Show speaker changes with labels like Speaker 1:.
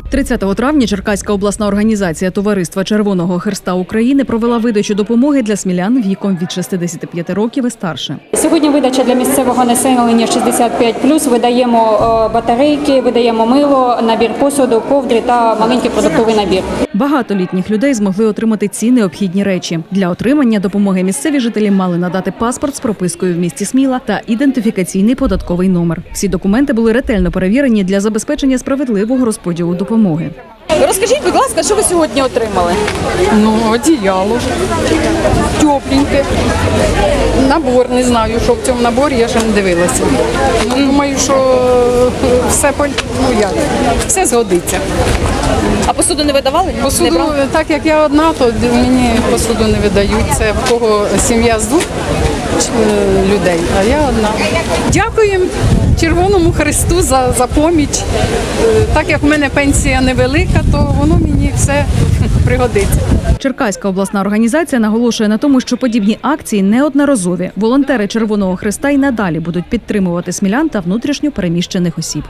Speaker 1: 30 травня Черкаська обласна організація Товариства Червоного Хреста України провела видачу допомоги для смілян віком від 65 років і старше.
Speaker 2: Сьогодні видача для місцевого населення 65+. Видаємо батарейки, видаємо мило, набір посуду, ковдри та маленький продуктовий набір.
Speaker 1: Багато літніх людей змогли отримати ці необхідні речі. Для отримання допомоги місцеві жителі мали надати паспорт з пропискою в місті Сміла та ідентифікаційний податковий номер. Всі документи були ретельно перевірені для забезпечення справедливого розподілу допомоги.
Speaker 3: Розкажіть, будь ласка, що ви сьогодні отримали?
Speaker 4: Одіяло, тепленьке, набор, не знаю, що в цьому наборі, я ще не дивилася. Думаю, що все згодиться.
Speaker 3: А посуду не видавали?
Speaker 4: Посуду,
Speaker 3: Не брали?
Speaker 4: так як я одна, то мені посуду не видають. Це в кого сім'я з 2 людей, а я одна. Дякуємо Червоному Хресту за поміч. Так як в мене пенсія невелика, то воно мені все пригодиться.
Speaker 1: Черкаська обласна організація наголошує на тому, що подібні акції неодноразові. Волонтери Червоного Хреста й надалі будуть підтримувати смілян та внутрішньо переміщених осіб.